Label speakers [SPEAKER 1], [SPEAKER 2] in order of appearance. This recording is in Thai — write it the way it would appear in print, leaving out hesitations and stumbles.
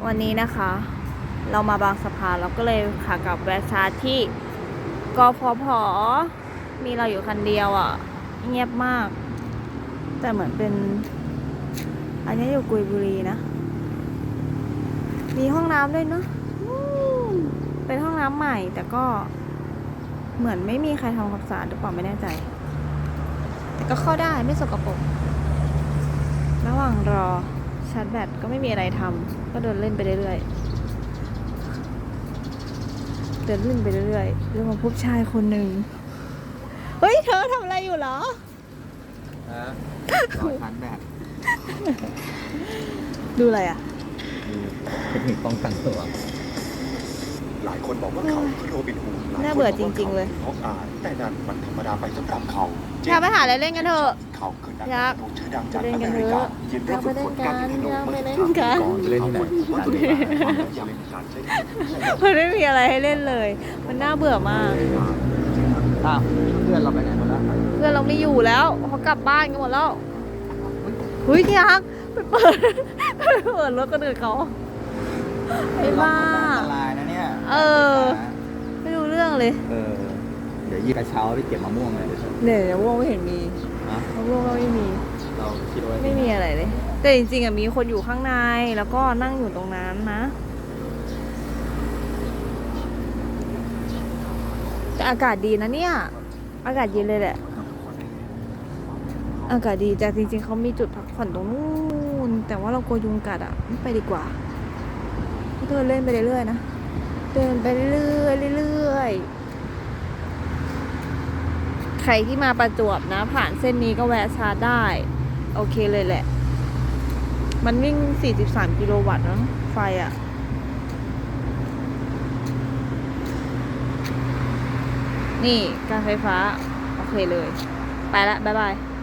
[SPEAKER 1] วันนี้นะคะเรามาบางสะพานเราก็เลยขากลับแวะชาร์จที่กฟผ.มีเราอยู่คันเดียวอ่ะเงียบมากแต่เหมือนเป็นอันนี้อยู่กุยบุรีนะมีห้องน้ำด้วยเนาะเป็นห้องน้ำใหม่แต่ก็เหมือนไม่มีใครทำความสะอาดหรือเปล่าไม่แน่ใจแต่ก็เข้าได้ไม่สกปรกระหว่างรอชาร์จแบตก็ไม่มีอะไรทำก็เดินเล่นไปเรื่อยๆเรื่องมาพบชายคนหนึ่งเฮ้ยเธอทำอะไรอยู่เหรอ
[SPEAKER 2] รอชาร์จแบต
[SPEAKER 1] ดูอะไรอ่ะ
[SPEAKER 2] เทคนิคป้องกันตัว
[SPEAKER 3] หลายคนบอกว่าเขาคือโรบินฮูด
[SPEAKER 1] น่าเบื่อจริงๆเลย
[SPEAKER 3] เพราะแต่นั่นมันธรรมดาไปสำหรับเขา
[SPEAKER 1] อยากไปหาอะไรเล่นกันเถอะ
[SPEAKER 3] เขาคือนักการเมืองชื่อดังจากอเมริกายินดีฝึกฝนการยิงธนูเมื่อ13 ปีก่อน
[SPEAKER 2] จะเล่นที่ไหน
[SPEAKER 1] มันไม่มีอะไรให้เล่นเลยมันน่าเบื่อมาก
[SPEAKER 2] เพื่อนเราไปไหนหมดแล้ว
[SPEAKER 1] เพื่อนเราไม่อยู่แล้วเขากลับบ้านกันหมดแล้วเฮ้ยที่ฮักไปเปิดรถกันอื่นเขาไอ้บ้า
[SPEAKER 2] อันตรายนะเนี่ย
[SPEAKER 1] ไม่รู้เรื่องเลย
[SPEAKER 2] เดี๋ยวยีกระเช้าไปเก็บมะม่วงเลย
[SPEAKER 1] เนี่ยมะม่วงไม่เห็นมีมะม่วงก็ไม่มี
[SPEAKER 2] เราคิดว่า
[SPEAKER 1] ไม่มีอะไรเลยแต่จริงๆมีคนอยู่ข้างในแล้วก็นั่งอยู่ตรงนั้นนะแต่อากาศดีนะเนี่ยอากาศเย็นเลยแหละอากาศดีแต่จริงๆเขามีจุดพักผ่อนตรงนู้นแต่ว่าเรากลัวยุงกัดอ่ะไม่ไปดีกว่าเดินเล่นไปเรื่อยๆนะเดินไปเรื่อยๆใครที่มาประจวบนะผ่านเส้นนี้ก็แวะชาร์จได้โอเคเลยแหละมันวิ่ง43กิโลวัตต์นะไฟอ่ะนี่การไฟฟ้าโอเคเลยไปละบ๊ายบาย